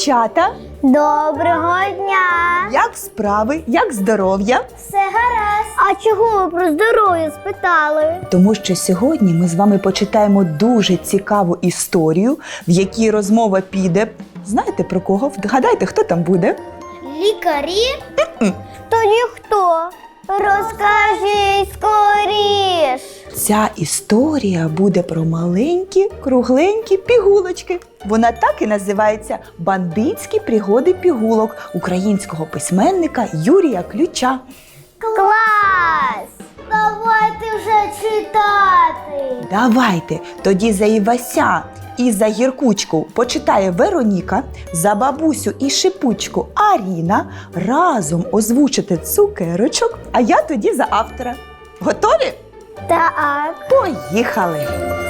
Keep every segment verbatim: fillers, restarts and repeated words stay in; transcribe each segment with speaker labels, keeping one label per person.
Speaker 1: дівчата!
Speaker 2: Доброго дня!
Speaker 1: Як справи? Як здоров'я?
Speaker 2: Все гаразд. А чого ви про здоров'я спитали?
Speaker 1: Тому що сьогодні ми з вами почитаємо дуже цікаву історію, в якій розмова піде. Знаєте про кого? Вгадайте, хто там буде?
Speaker 2: Лікарі? Тоді хто? Розкажіть скоріш.
Speaker 1: Ця історія буде про маленькі, кругленькі пігулочки. Вона так і називається «Бандитські пригоди пігулок» українського письменника Юрія Ключа.
Speaker 2: Клас! Давайте вже читати.
Speaker 1: Давайте, тоді за Івася і за Гіркучку почитає Вероніка, за бабусю і Шипучку Аріна, разом озвучити цукерочок, а я тоді за автора. Готові?
Speaker 2: Так.
Speaker 1: Поїхали!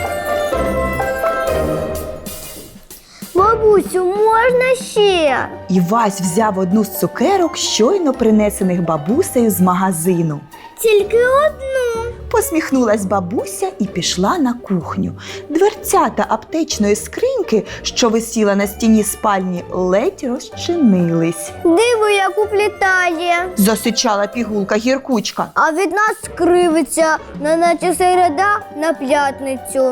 Speaker 2: Бабусю, можна ще?
Speaker 1: Івась взяв одну з цукерок, щойно принесених бабусею з магазину.
Speaker 2: Тільки одну.
Speaker 1: Посміхнулась бабуся і пішла на кухню. Дверцята аптечної скриньки, що висіла на стіні спальні, ледь розчинились.
Speaker 2: Диво, як уплітає.
Speaker 1: Засичала пігулка Гіркучка.
Speaker 2: А від нас кривиться, неначе середа на п'ятницю.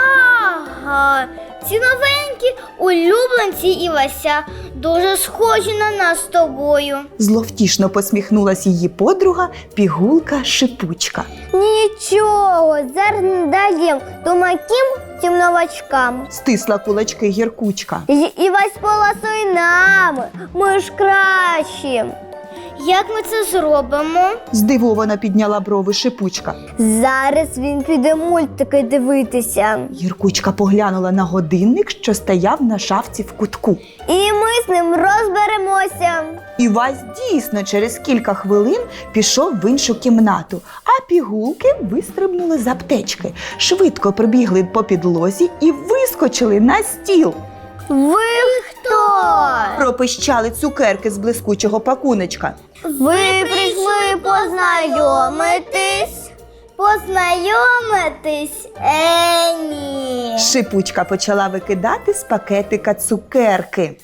Speaker 2: Ага, ці новенькі улюбленці Івася дуже схожі на нас з тобою.
Speaker 1: Зловтішно посміхнулась її подруга пігулка Шипучка.
Speaker 2: Нічого, зараз не даєм тумаким цим новачкам.
Speaker 1: Стисла кулачки Гіркучка.
Speaker 2: І- Івась поласуй нами, ми ж кращі. Як ми це зробимо?
Speaker 1: Здивовано підняла брови Шипучка.
Speaker 2: Зараз він піде мультики дивитися.
Speaker 1: Гіркучка поглянула на годинник, що стояв на шафці в кутку.
Speaker 2: І ми з ним розберемося.
Speaker 1: Івась дійсно через кілька хвилин пішов в іншу кімнату, а пігулки вистрибнули з аптечки, швидко прибігли по підлозі і вискочили на стіл.
Speaker 2: Ви хто?
Speaker 1: Пропищали цукерки з блискучого пакуночка.
Speaker 2: Ви прийшли познайомитись? Познайомитись? Е, ні.
Speaker 1: Шипучка почала викидати з пакетика цукерки.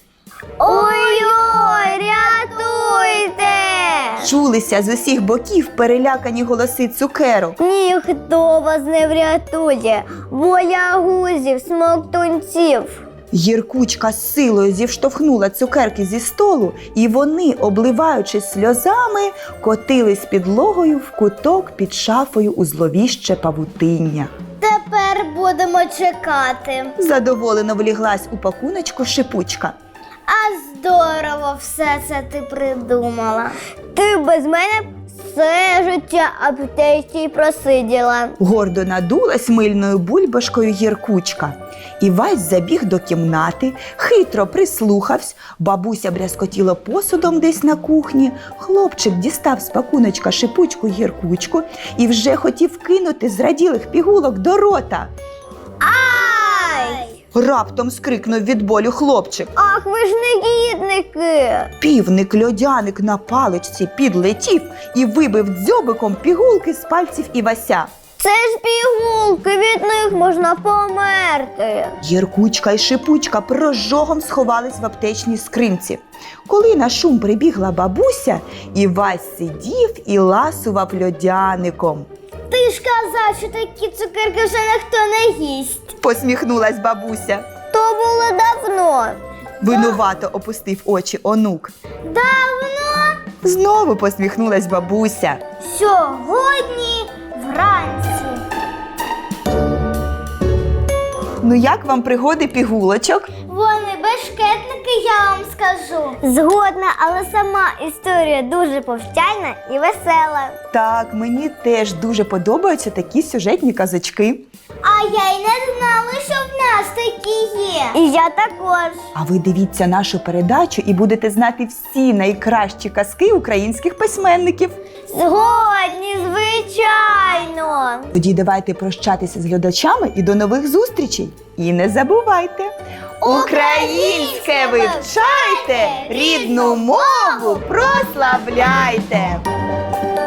Speaker 2: Ой-ой, рятуйте!
Speaker 1: Чулися з усіх боків перелякані голоси цукерок.
Speaker 2: Ніхто вас не врятує. Боягузів, смоктунців.
Speaker 1: Гіркучка з силою зіштовхнула цукерки зі столу, і вони, обливаючись сльозами, котились підлогою в куток під шафою у зловіще павутиння.
Speaker 2: Тепер будемо чекати.
Speaker 1: Задоволено вліглась у пакуночку Шипучка.
Speaker 2: А здорово все це ти придумала. Ти без мене все життя аптечці просиділа.
Speaker 1: Гордо надулась мильною бульбашкою Гіркучка. Івась забіг до кімнати, хитро прислухався, бабуся брязкотіла посудом десь на кухні, хлопчик дістав з пакуночка Шипучку Гіркучку і вже хотів кинути зраділих пігулок до рота.
Speaker 2: Ай!
Speaker 1: Раптом скрикнув від болю хлопчик.
Speaker 2: Ах, ви ж негідники!
Speaker 1: Півник-льодяник на паличці підлетів і вибив дзьобиком пігулки з пальців Івася.
Speaker 2: Це ж пігулки, від них можна померти.
Speaker 1: Гіркучка і Шипучка прожогом сховались в аптечній скринці. Коли на шум прибігла бабуся, Івась сидів і ласував льодяником.
Speaker 2: Ти ж казав, що такі цукерки вже ніхто не їсть.
Speaker 1: Посміхнулась бабуся.
Speaker 2: То було давно.
Speaker 1: Винувато опустив очі онук.
Speaker 2: Давно?
Speaker 1: Знову посміхнулась бабуся.
Speaker 2: Сьогодні вранці.
Speaker 1: Ну як вам пригоди пігулочок?
Speaker 2: Вони бешкетники, я вам скажу. Згодна, але сама історія дуже повчальна і весела.
Speaker 1: Так, мені теж дуже подобаються такі сюжетні казочки.
Speaker 2: А я й не знала, що в нас такі є. І я також.
Speaker 1: А ви дивіться нашу передачу і будете знати всі найкращі казки українських письменників.
Speaker 2: Згодні, звичайно.
Speaker 1: Тоді давайте прощатися з глядачами і до нових зустрічей. І не забувайте, українське вивчайте, рідну мову прославляйте!